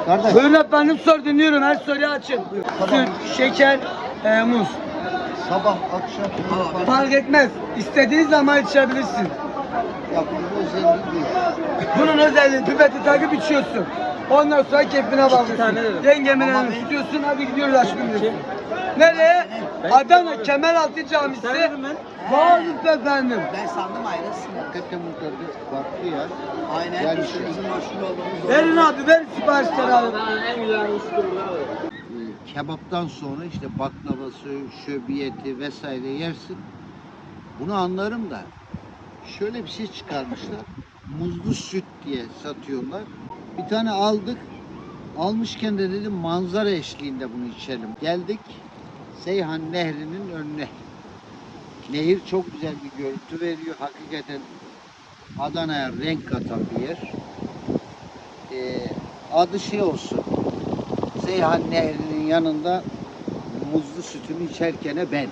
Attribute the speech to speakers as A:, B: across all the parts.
A: Kardeş.
B: Buyurun efendim, sor, dinliyorum. Her soruyu açın. Süt, şeker, muz.
A: Sabah, akşam.
B: Fark etmez. İstediğin zaman içebilirsin.
A: Ya bunun özelliği değil.
B: Bunun özelliği pipeti takıp içiyorsun. Ondan sonra keyfine bakıyorsun. Yengemin elini tutuyorsun, hadi gidiyoruz aşkım diyorsun. Nereye? Adana Kemeraltı Camisi. Bağlık efendim.
C: Ben sandım ayrısın.
A: Hakikaten bu tadı farklı ya.
C: Aynen.
A: Yani
C: İşimizin meşhur olduğumuz.
B: Verin abi, ver siparişleri abi.
A: Kebaptan sonra işte baklavası, şöbiyeti vesaire yersin. Bunu anlarım da şöyle bir şey çıkarmışlar. Muzlu süt diye satıyorlar. Bir tane aldık. Almışken de dedim manzara eşliğinde bunu içelim. Geldik Seyhan Nehri'nin önüne. Nehir çok güzel bir görüntü veriyor. Hakikaten Adana'ya renk katan bir yer. Adı şey olsun. Seyhan Nehri'nin yanında muzlu sütümü içerken ben.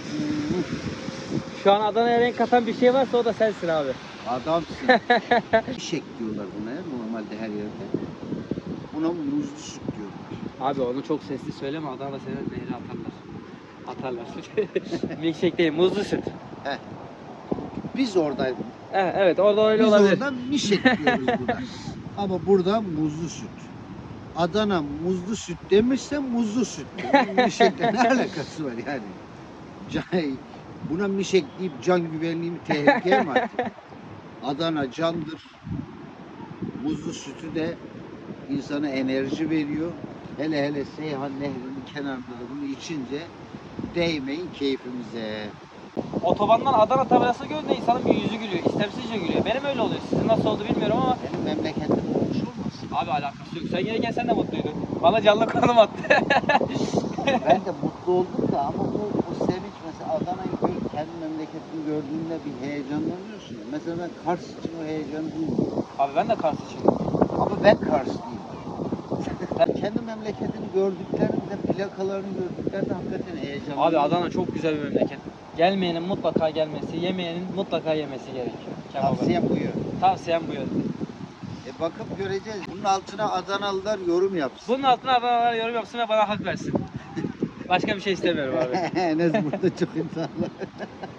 D: Şu an Adana'ya renk katan bir şey varsa o da sensin abi.
A: Adamsın. Mişek diyorlar buna ya normalde her yerde. Buna muzlu süt diyorlar.
D: Abi onu çok sesli söyleme, Adana'da seni nehre atarlar. Milkshake değil, muzlu süt.
A: Biz orada
D: Evet, orada öyle
A: biz
D: olabilir.
A: orada mişek diyoruz buna. Ama burada muzlu süt. Adana muzlu süt demişse muzlu süt. Mişekle ne alakası var yani? Buna mişek deyip can güvenliğimi tehlikeye mi attın? Adana candır. Muzlu sütü de insana enerji veriyor. Hele hele Seyhan Nehri'nin kenarında da bunu içince değmeyin keyfimize.
D: Otobandan Adana tabelası görünce insanın bir yüzü gülüyor. İstemsizce gülüyor. Benim öyle oluyor. Sizin nasıl oldu bilmiyorum ama
A: Benim memleketim olmuş olmasın?
D: abi alakası yok. Sen gelirken sen de mutluydun. Bana canlı konum attı.
A: Ben de mutlu oldum da ama bu sevinç mesela Adana'yı kendi memleketini gördüğünde bir heyecanlanıyorsun ya. Mesela ben Kars için o heyecanı duymuyorum.
D: Abi ben de Kars'çıyım.
A: Ama ben Karslıyım. Kendi memleketini gördüklerinde, plakalarını gördüklerinde hakikaten heyecanlanıyorum.
D: Abi Adana çok güzel bir memleket. Gelmeyenin mutlaka gelmesi, yemeyenin mutlaka yemesi gerekiyor. Kebabı.
A: Tavsiyem bu yönde.
D: Tavsiyem bu yönde.
A: Bakıp göreceğiz. Bunun altına Adanalılar yorum yapsın.
D: Bunun altına Adanalılar yorum yapsın ve bana hak versin. Başka bir şey istemiyorum abi.
A: Enes burada çok insanlar.